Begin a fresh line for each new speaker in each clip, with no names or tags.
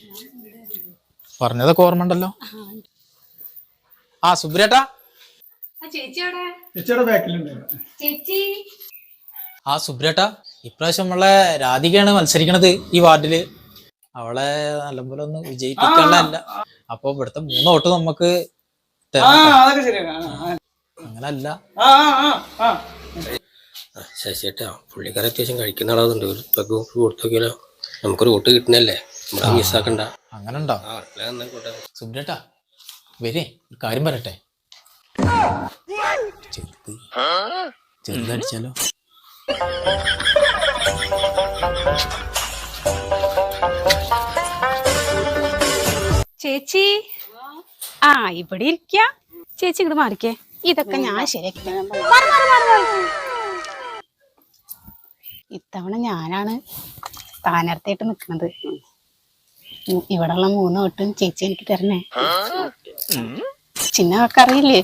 പറഞ്ഞതൊക്കെ ഓർമ്മ ഉണ്ടല്ലോ. ആ സുബ്രേട്ടാ, ആ സുബ്രേട്ടാ, ഇപ്രാവശ്യം നമ്മളെ രാധികയാണ് മത്സരിക്കണത് ഈ വാർഡില്. അവളെ നല്ലപോലെ ഒന്ന് വിജയിപ്പിക്കാനല്ല. അപ്പൊ ഇവിടുത്തെ 3 വോട്ട് നമുക്ക് അങ്ങനല്ല.
ശശിയേട്ടാ, പുള്ളിക്കാരെ അത്യാവശ്യം കഴിക്കുന്ന ആളാകുന്നുണ്ട്. ഒരു പെഗ് കൊടുത്തു നോക്കിയാലോ, നമുക്കൊരു വോട്ട് കിട്ടുന്നല്ലേ, നമ്മളെ മിസ്സാക്കണ്ട.
അങ്ങനുണ്ടോ? സുബ്രേട്ടാ വരേ, ഒരു കാര്യം പറയട്ടെ. ചെറുതടിച്ചാലോ?
ചേച്ചി, ആ ഇവിടെ ഇരിക്ക. ചേച്ചി ഇങ്ങോട്ട് മാറിക്കേ, ഇതൊക്കെ ഞാൻ ശരിയാക്കി. ഇത്തവണ ഞാനാണ് സ്ഥാനാർത്ഥിയായിട്ട് നിൽക്കുന്നത്. ഇവിടെയുള്ള 3 വോട്ടും ചേച്ചി എനിക്ക് തരണേ. ചിന്നൊക്കെ അറിയില്ലേ?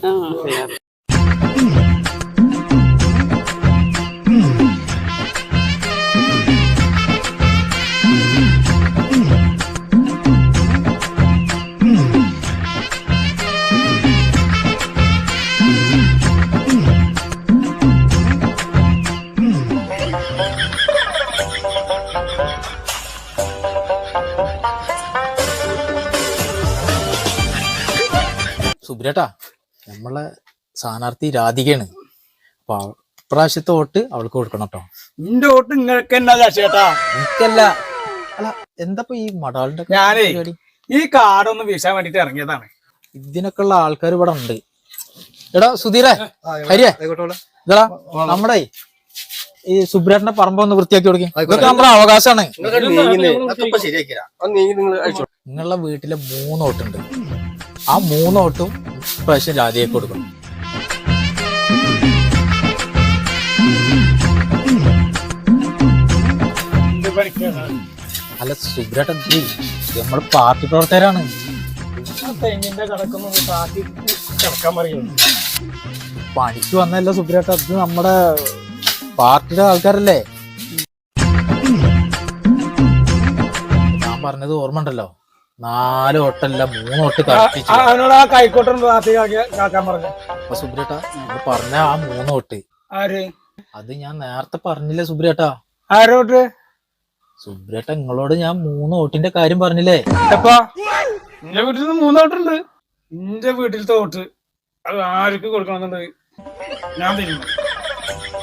സുബ്രേട്ടാ, നമ്മളെ സ്ഥാനാർത്ഥി രാധികയാണ്. അപ്പൊ ഇപ്രാവശ്യത്തെ വോട്ട് അവൾക്ക് കൊടുക്കണം കേട്ടോ.
നിന്റെ വോട്ട് നിങ്ങൾക്ക് എന്നാ ചേട്ടാ?
എനിക്കല്ല. അല്ല, എന്താ ഈ മടാളിന്റെ
ഞാനേ ഈ കാർഡൊന്ന് വീശാൻ വേണ്ടിട്ട് ഇറങ്ങിയതാണ്.
ഇതിനൊക്കെ ഉള്ള ആൾക്കാർ ഇവിടെ ഉണ്ട്. എടാ സുധീരേ, ഹരിയേ, ഇതാ നമ്മുടെ ഈ സുബ്രേട്ടന്റെ പറമ്പ് ഒന്ന് വൃത്തിയാക്കി കൊടുക്കും. ഇതൊക്കെ നമ്മുടെ അവകാശമാണ്. നിങ്ങളുടെ വീട്ടിലെ 3 വോട്ടുണ്ട്. ആ 3 വോട്ടും ഇപ്രാവശ്യം രാധികയ്ക്ക് കൊടുക്കണം. അല്ല സുബ്രേട്ടൻ, നമ്മൾ പാർട്ടി പ്രവർത്തകരാണ്. പണിക്ക് വന്നല്ല സുബ്രേട്ട, അത് നമ്മുടെ പാർട്ടിയുടെ ആൾക്കാരല്ലേ. ഞാൻ പറഞ്ഞത് ഓർമ്മ ഉണ്ടല്ലോ, 4 വോട്ടല്ല 3 വോട്ട് കറക്റ്റ്. അപ്പൊ സുബ്രേട്ട പറഞ്ഞ ആ 3 വോട്ട് അത് ഞാൻ നേരത്തെ പറഞ്ഞില്ലേ സുബ്രേട്ടാ?
ആരോട്ട്?
സുബ്രേട്ട, നിങ്ങളോട് ഞാൻ 3 വോട്ടിന്റെ കാര്യം പറഞ്ഞില്ലേ?
എന്റെ വീട്ടിൽ നിന്ന് 3 വോട്ടുണ്ട്. എന്റെ വീട്ടിലത്തെ വോട്ട് അത് ആർക്ക് കൊടുക്കണമെന്നുണ്ട് ഞാൻ തരുന്നു.